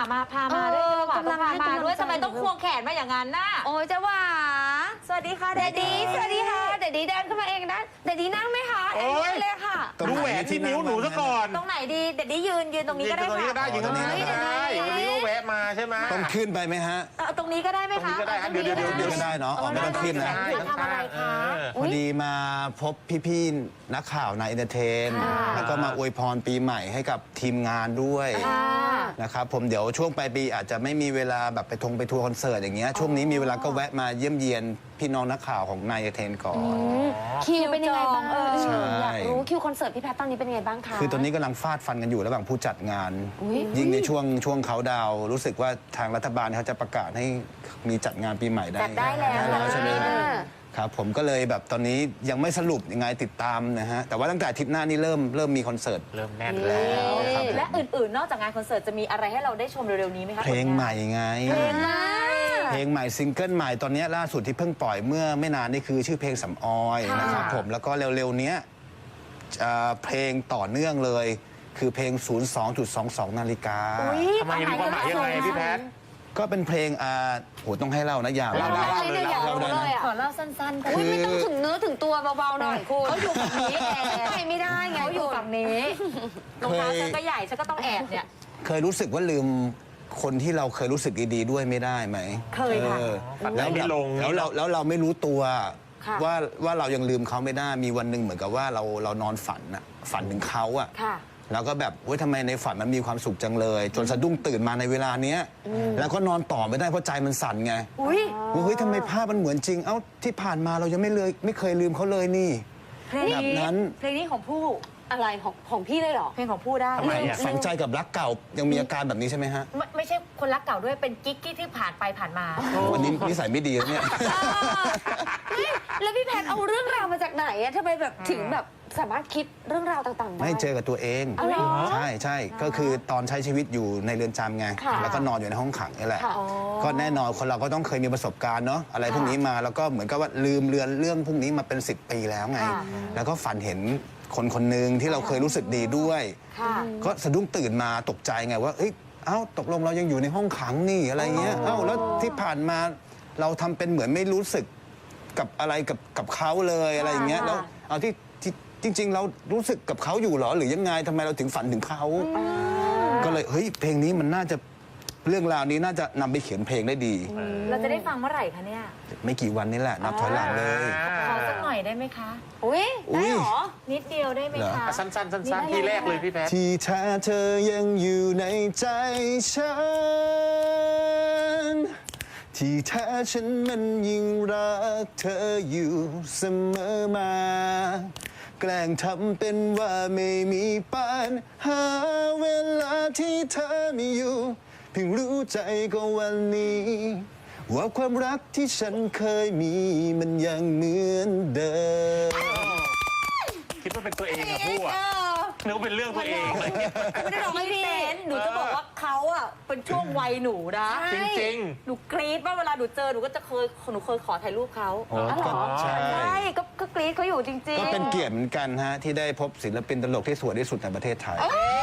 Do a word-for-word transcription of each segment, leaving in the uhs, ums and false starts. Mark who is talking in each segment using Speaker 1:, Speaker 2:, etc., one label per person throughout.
Speaker 1: มาพามาด้วยจังหวะต้องพามาด้วยทำไมต้องควงแขนมาอย่างนั้นน่ะ
Speaker 2: โอ้ยจังหวะ
Speaker 1: สวัสดีค่ะ
Speaker 2: เดดดี้สวัสดีค่ะเดดดี้เดินเข้ามาเองนะเดดดี้นั่งไหมคะเอ็นเลยค่ะ
Speaker 3: ดูแหวนที่นิ้วหนูซะก่อน
Speaker 1: ตรงไหนดีเดดดี้ยืนยืนตรงนี้ก็ได้ค่ะ
Speaker 3: ยืนตรงนี้ก็ได้ยืนตรงนี้ก็ได้วันนี้ก็แวะมาใช่ไหม
Speaker 4: ต้องขึ้นไปไหมฮะ
Speaker 1: ตรงนี้ก็ได้ไหมคะ
Speaker 3: ตรงนี้ก็ได้เดี๋ยวเดี๋ยวเดี๋ยว
Speaker 4: ก็ได้เนาะอ๋อไม่ต้องขึ้นนะ
Speaker 1: ทำอะไรคะ
Speaker 4: พอดีมาพบพี่ๆนักข่าวนายเอนเตอร์เทนแล้วก็มาอวยพรปีใหม่ให้กับทีมงานด้วยนะครับผมเดี๋ยวช่วงปลายปีอาจจะไม่มีเวลาแบบไปทงไปทัวร์คอนเสิร์ตอย่างเงี้ยช่วงนี้มีเวลาก็แวะมาเยี่ยมเยียนพี่น้องนักข่าวของนายเอนเตอร์เทนก่อน
Speaker 2: คิวเป็นยังไงบ้าง
Speaker 4: ใช่
Speaker 2: อยากรู้คิวคอนเสิร์ตพี่แพทตอนนี้เป็นยังไงบ้างคะ
Speaker 4: คือตอนนี้กำลังฟาดฟันกันอยู่ระหว่างผู้จัดงานยิ่งในช่วงช่วงเขาดาวรู้สึกว่าทางรัฐบาลเขาจะประกาศให้มีจัดงานปีใหม่ได้
Speaker 2: จัดได้แล้ว
Speaker 4: ใช่ไหมครับผมก็เลยแบบตอนนี้ยังไม่สรุปยังไงติดตามนะฮะแต่ว่าตั้งแต่อาทิตย์หน้านี้เริ่มเริ่มมีคอนเสิร์ต
Speaker 3: เริ่มแน่นแล้ว
Speaker 1: และอื่นๆนอกจากงานคอนเสิร์ตจะมีอะไรให้เราได้ชมเร็วๆนี้ไหมคะ
Speaker 4: เพลงใหม่ไงเพลงใหม่เพลงใหม่ซิงเกิลใหม่ตอนนี้ล่าสุดที่เพิ่งปล่อยเมื่อไม่นานนี่คือชื่อเพลงสำออยนะครับผมแล้วก็เร็วๆนี้เพลงต่อเนื่องเลยคือเพลง ศูนย์สองจุดสองสอง นาฬิกา
Speaker 3: ทำไมมีความหมายยังไงพี่แพท
Speaker 4: ก็เป็นเพลงอ่าโหต้องให้เล่านะอย่า
Speaker 2: เล่าเล่าเลยเล่าเลย
Speaker 1: ขอเล่าสั้นๆ
Speaker 2: อุ้ยไม่ต้องถึงเนื้อถึงตัวเบาๆหน่อยคุณ
Speaker 1: เขาอยู่ฝั่งนี้
Speaker 2: ไปไม่ได้ไง
Speaker 1: เขาอยู่ฝั่งนี้รองเท้าฉันก็ใหญ่ฉันก็ต้องแอบเนี่ย
Speaker 4: เคยรู้สึกว่าลืมคนที่เราเคยรู้สึกดีๆด้วยไม่ได้ไหม
Speaker 1: เคยค่ะ
Speaker 4: แล้วแล้วเราแล้วเราไม่รู้ตัวว่าว่าเรายังลืมเขาไม่ได้มีวันหนึ่งเหมือนกับว่าเราเรานอนฝันอะฝันถึงเขาอะแล้วก็แบบเฮ้ยทำไมในฝันมันมีความสุขจังเลยจนสะดุ้งตื่นมาในเวลาเนี้ยแล้วก็นอนต่อไม่ได้เพราะใจมันสั่นไง
Speaker 1: อุ้ย
Speaker 4: เฮ้ยทำไมภาพมันเหมือนจริงเอ้าที่ผ่านมาเรายังไม่เลยไม่เคยลืมเขาเลยนี่แบบนั้น
Speaker 1: เพลงนี้ของผู้
Speaker 2: อะไรของของพี่เลยเหรอ
Speaker 1: เพลงของผู้ได้
Speaker 4: ฝังใจกับรักเก่ายังมีอาการแบบนี้ใช่ไหมฮะ
Speaker 1: ไม่ไม่ใช่คนรักเก่าด้วยเป็นกิ๊กที่ผ่านไปผ่านมา
Speaker 4: วันนี้นิสัยไม่ดีแล้วเนี่ย
Speaker 2: แล้วพี่แพทเอาเรื่องราวมาจากไหนอะทำไมแบบถึงแบบสามารถคิดเรื่องราวต่างๆได้
Speaker 4: ไม่เจอกับตัวเองใช่ใช่ก็คือตอนใช้ชีวิตอยู่ในเรือนจำไงแล้วก็นอนอยู่ในห้องขังนี่แหละก็แน่นอนคนเราก็ต้องเคยมีประสบการณ์เนาะอะไรพวกนี้มาแล้วก็เหมือนกับว่าลืมเลือนเรื่องพวกนี้มาเป็นสิบปีแล้วไงแล้วก็ฝันเห็นคนคนหนึ่งที่เราเคยรู้สึกดีด้วยก็สะดุ้งตื่นมาตกใจไงว่าเอ้ยเอ้าตกลงเรายังอยู่ในห้องขังนี่อะไรเงี้ยเอ้าแล้วที่ผ่านมาเราทำเป็นเหมือนไม่รู้สึกกับอะไรกับกับเขาเลยอะไรอย่างเงี้ยแล้วเอาที่จริงๆเรารู้สึกกับเขาอยู่หรอหรือยังไงทำไมเราถึงฝันถึงเขาก็เลยเฮ้ยเพลงนี้มันน่าจะเรื่องราวนี้น่าจะนำไปเขียนเพลงได้ดี
Speaker 1: เราจะได้ฟังเมื่อไหร่คะเนี่ย
Speaker 4: ไม่กี่วันนี้แหละนับถอยหลังเลย
Speaker 1: ขอสักหน่อยได้ไหมคะ
Speaker 2: อุ้ยได้หรอ
Speaker 1: นิดเดียวได้ไหมคะ
Speaker 3: สั้นๆสั้นๆทีแรกเลยพี่แพท
Speaker 4: ที่แท้เธอยังอยู่ในใจฉันที่แท้ฉันมันยิ่งรักเธออยู่เสมอมาแกล้งทำเป็นว่าไม่มีปัญหาเวลาที่เธอไม่อยู่เพิ่งรู้ใจก็วันนี้ว่าความรักที่ฉันเคยมีมันยังเหมือนเดิม
Speaker 3: คิดว่าเป็นตัวเองอะพูดอะนึกว่าเป็นเรื่องตัวเองเลย
Speaker 1: ไม่ได้ร้องให้พี่เต้นหนูจะบอกว่าเขาอะเป็นช่วงวัยหนูนะ
Speaker 3: จริง
Speaker 1: ๆหนูกรี๊ดว่าเวลาหนูเจอหนูก็จะเคยหนูเคยขอถ่ายรูปเขา
Speaker 4: อ๋อใช่
Speaker 1: ใช่ก็กรี๊ดเขาอยู่จริงๆ
Speaker 4: ก็เป็นเกียรติเหมือนกันฮะที่ได้พบศิลปินตลกที่สวยที่สุดในประเทศไทย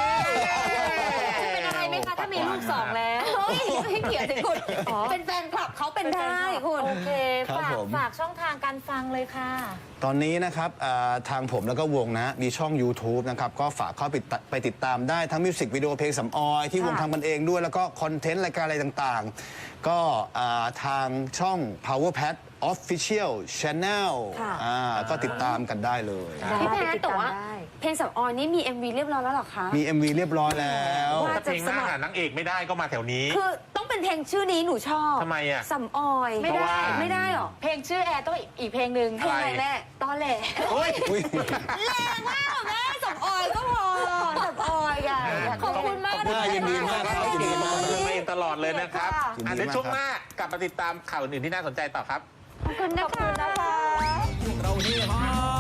Speaker 1: เป็นอะไรไหมคะถ้ามีลูกสองแล้ว
Speaker 2: ให้เกียรติคุณเป็นแฟนคลับเขาเป็นได้คุณ
Speaker 1: โอเคฝากฝากช่องทางการฟังเลยค่ะ
Speaker 4: ตอนนี้นะครับทางผมแล้วก็วงนะมีช่อง ยูทูบ นะครับก็ฝากเข้าไปไปติดตามได้ทั้งมิวสิกวิดีโอเพลงสำออยที่วงทำกันเองด้วยแล้วก็คอนเทนต์รายการอะไรต่างๆก็ทางช่อง Power Pad Official Channel ก็ติดตามกันได้เลย
Speaker 2: พี่แพทแต่ว่าเพลงสำออยนี่มี เอ็ม วี เรียบร้อยแล้วหรอคะ
Speaker 4: มี เอ็ม วี เรียบร้อยแล้ว
Speaker 3: ถ้าเพลงหน้าหานางเอกไม่ได้ก็มาแถวนี้
Speaker 2: คือต้องเป็นเพลงชื่อนี้หนูชอบ
Speaker 3: ทำไมอ่ะ
Speaker 2: สำออย
Speaker 1: ไม่ได้
Speaker 2: ไม่ได้หรอ
Speaker 1: เพลงชื่อแอร์ต้องอีกเพลงหนึ่ง
Speaker 2: เพลงอะไรแม่ตอนแหล่แรงมากแม่สำออยก็พอสำออยกัน
Speaker 1: ขอบคุณมาก
Speaker 4: นะยินดีมากครับยินดีมาก
Speaker 3: เลยตลอดเลยนะครับอันในช่วงหน้ากลับมาติดตามข่าวอื่นที่น่าสนใจต่อครับ
Speaker 2: ขอบคุณนะคะ